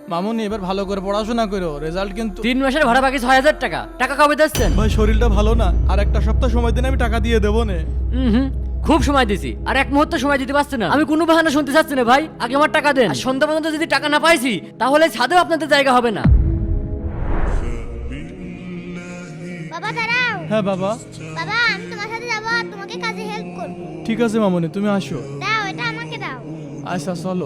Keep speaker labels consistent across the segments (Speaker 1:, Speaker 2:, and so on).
Speaker 1: মামুনি এবার ভালো করে পড়াশোনা করো, রেজাল্ট কিন্তু।
Speaker 2: 3 মাসের ভাড়া বাকি 6,000 টাকা। টাকা কবে দিচ্ছেন?
Speaker 1: ভাই শরীরটা ভালো না, আর একটা সপ্তাহ সময় দিন, আমি টাকা দিয়ে দেবো না।
Speaker 2: হুম, খুব সময় দিছি, আর এক মুহূর্ত সময় দিতে পারছি না। আমি কোনো বাহানা শুনতে চাচ্ছি না ভাই, আগে আমার টাকা দেন। আর সন্ধ্যা পর্যন্ত যদি টাকা না পাইছি তাহলে ছাদেও আপনাদের জায়গা হবে না।
Speaker 3: বাবা দাঁড়াও।
Speaker 1: হ্যাঁ বাবা।
Speaker 3: বাবা আমি তোমার সাথে যাবো আর তোমাকে কাজে হেল্প করব।
Speaker 1: ঠিক আছে মামুনি, তুমি আসো।
Speaker 3: দাও এটা আমাকে দাও।
Speaker 1: আচ্ছা চলো।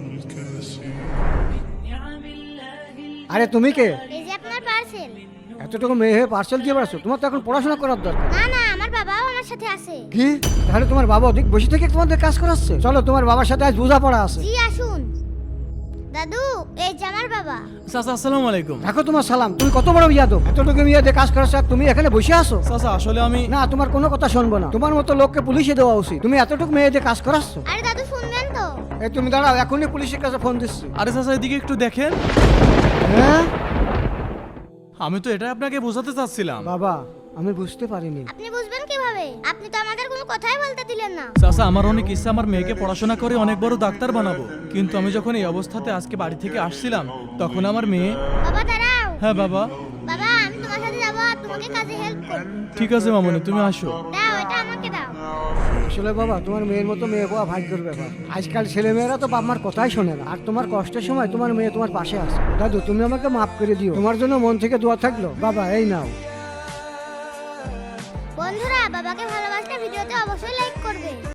Speaker 4: আরে তুমি কে?
Speaker 3: এই যে আপনার পার্সেল।
Speaker 4: এতটুকু মেয়ে হয়ে পার্সেল দিয়ে বেড়াচ্ছ? তোমার তো এখন পড়াশোনা করার দরকার।
Speaker 3: না না আমার বাবাও আমার সাথে আছে।
Speaker 4: কি? তাহলে তোমার বাবা অধিক বসে থেকে তোমাদের কাজ করাচ্ছে? চলো তোমার বাবার সাথে আজ বোঝাপড়া আছে।
Speaker 3: জি আসুন। দাদু এই যে আমার বাবা।
Speaker 1: চাচা আসসালামু আলাইকুম।
Speaker 4: দেখো তোমার সালাম, তুমি কত বড় বিয়াদব! এতটুকু মেয়ে দিয়ে কাজ করাচ্ছ আর তুমি এখানে বসে আছো?
Speaker 1: চাচা আসলে আমি।
Speaker 4: না, তোমার কোনো কথা শুনবো না। তোমার মতো লোককে পুলিশে দেওয়া উচিত। তুমি এতটুকু মেয়ে দিয়ে কাজ করাচ্ছ?
Speaker 3: আরে দাদু শুনবেন তো?
Speaker 4: এই তুমি দাঁড়াও, এখনই পুলিশের কাছে ফোন দিচ্ছি।
Speaker 1: আরে চাচা এদিকে একটু দেখেন।
Speaker 4: হ্যাঁ
Speaker 1: আমি তো এটা আপনাকে বোঝাতে চাচ্ছিলাম।
Speaker 4: বাবা, আমি বুঝতে পারিনি।
Speaker 3: আপনি বুঝবেন কিভাবে? আপনি তো আমাদের কোনো কথাই বলতে দিলেন না।
Speaker 1: চাচা আমার অনেক ইচ্ছা আমার মেয়েকে পড়াশোনা করে অনেক বড় ডাক্তার বানাবো, কিন্তু আমি যখন এই অবস্থাতে আজকে বাড়ি থেকে আসছিলাম তখন আমার মেয়ে।
Speaker 3: বাবা দাঁড়াও।
Speaker 1: হ্যাঁ বাবা।
Speaker 3: বাবা আমি তোমার সাথে যাবো আর তোমাকে কাজে হেল্প করব।
Speaker 1: ঠিক আছে মামুনি, তুমি আসো।
Speaker 3: দাও এটা আমাকে দাও।
Speaker 4: আসলে বাবা, তোমার মেয়ের মতো মেয়ে পাওয়া ভাগ্যের ব্যাপার। আজকাল ছেলে মেয়েরা তো বাপ মার কথাই শোনে না। আর তোমার কষ্টের সময় তোমার মেয়ে তোমার পাশে আছে। দাদু তুমি আমাকে মাফ করে দিও। তোমার জন্য মন থেকে দোয়া থাকলো। বাবা এই নাও।
Speaker 3: বন্ধুরা বাবাকে ভালোবাসলে ভিডিওতে অবশ্যই লাইক করবে।